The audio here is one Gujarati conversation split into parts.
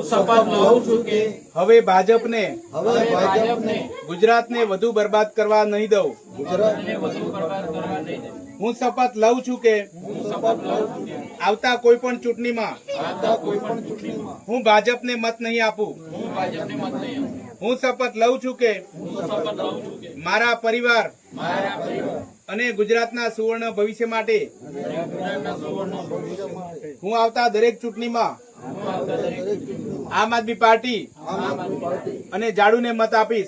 શપથ લઉં છું કે હવે ભાજપને ભાજપને ગુજરાતને વધુ બરબાદ કરવા નહીં દઉં। ગુજરાતને વધુ બરબાદ કરવા નહીં દઉં। હું શપથ લઉં છું કે આવતા કોઈ પણ ચૂંટણીમાં હું ભાજપને મત નહીં આપું। હું શપથ લઉં છું કે મારા પરિવાર અને ગુજરાતના સુવર્ણ ભવિષ્ય માટે હું આવતા દરેક ચૂંટણીમાં આમ આદમી પાર્ટી અને જાડુને મત આપીશ।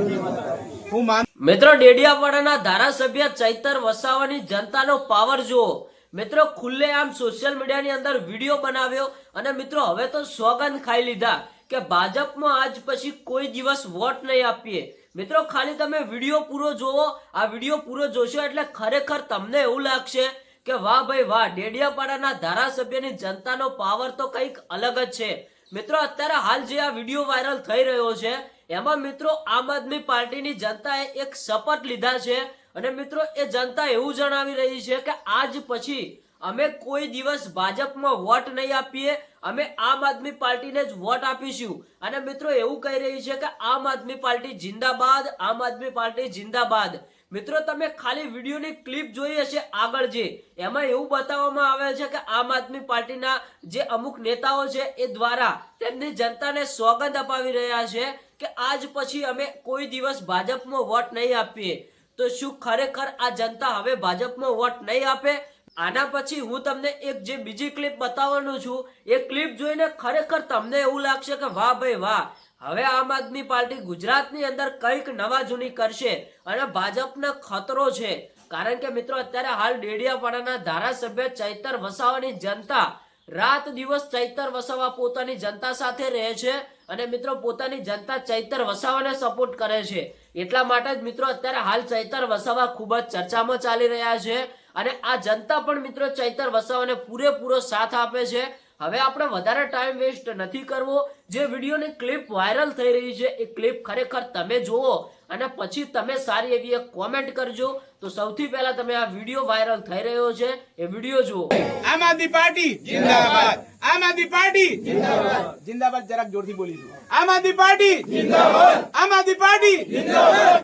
હું મિત્રો ડેડિયાપાડાના ધારાસભ્ય ચૈતર વસાવાની જનતાનો પાવર જુઓ। મિત્રો ખુલ્લેઆમ સોશિયલ મીડિયાની અંદર વિડીયો બનાવ્યો અને મિત્રો હવે તો સોગંદ ખાઈ લીધા કે ભાજપમાં આજ પછી કોઈ દિવસ વોટ નહીં આપીએ। મિત્રો ખાલી તમે વિડીયો પૂરો જોવો। આ વિડીયો પૂરો જોશો એટલે ખરેખર તમને એવું લાગશે કે વાહ ભાઈ વાહ, ડેડિયાપાડાના ધારાસભ્યની જનતાનો પાવર તો કંઈક અલગ જ છે। મિત્રો અત્યારે હાલ જે આ વિડીયો વાયરલ થઈ રહ્યો છે એમાં મિત્રો આમ આદમી પાર્ટીની જનતાએ એક શપથ લીધા છે અને મિત્રો એ જનતા એવું જણાવી રહી છે કે આજ પછી અમે કોઈ દિવસ ભાજપમાં વોટ નહીં આપીએ, અમે આમ આદમી પાર્ટીને જ વોટ આપીશું। અને મિત્રો એવું કહી રહી છે કે આમ આદમી પાર્ટી જિંદાબાદ, આમ આદમી પાર્ટી જિંદાબાદ। મિત્રો તમે ખાલી વિડીયોની ક્લિપ જોઈ હશે આગળ જે, એમાં એવું બતાવવામાં આવે છે કે આમ આદમી પાર્ટીના જે અમુક નેતાઓ છે એ દ્વારા તેમની જનતાને સોગંદ અપાવી રહ્યા છે કે આજ પછી અમે કોઈ દિવસ ભાજપમાં વોટ નહીં આપીએ। તો શું ખરેખર આ જનતા હવે ભાજપમાં વોટ નહીં આપે? આના પછી હું તમને એક જે બીજી ક્લિપ બતાવવાનું છું, એ ક્લિપ જોઈને ખરેખર તમને એવું લાગશે કે વાહ ભાઈ વાહ, હવે આમ આદમી પાર્ટી ગુજરાતની અંદર કંઈક નવા જૂની કરશે અને ભાજપને ખતરો છે। કારણ કે મિત્રો અત્યારે હાલ ડેડિયાપાડાના ધારાસભ્ય ચૈતર વસાવાની જનતા રાત દિવસ ચૈતર વસાવા પોતાની જનતા સાથે રહે છે અને મિત્રો પોતાની જનતા ચૈતર વસાવાને સપોર્ટ કરે છે। એટલા માટે જ મિત્રો અત્યારે હાલ ચૈતર વસાવા ખૂબ જ ચર્ચામાં ચાલી રહ્યા છે અને આ જનતા પણ મિત્રો ચૈતર વસાવાને પૂરેપૂરો સાથ આપે છે। હવે આપણે વધારે ટાઈમ વેસ્ટ નથી કરવો। જે વિડીયોની ક્લિપ વાયરલ થઈ રહી છે એ ક્લિપ ખરેખર તમે જુઓ અને પછી તમે સારી એવી એક કોમેન્ટ કરજો। તો સૌથી પહેલા તમે આ વિડીયો વાયરલ થઈ રહ્યો છે એ વિડીયો જુઓ। આમ આદમી પાર્ટી જિંદાબાદ, આમ આદમી પાર્ટી જિંદાબાદ, જિંદાબાદ જરાક જોરથી બોલીશું। આમ આદમી પાર્ટી જિંદાબાદ, આમ આદમી પાર્ટી જિંદાબાદ।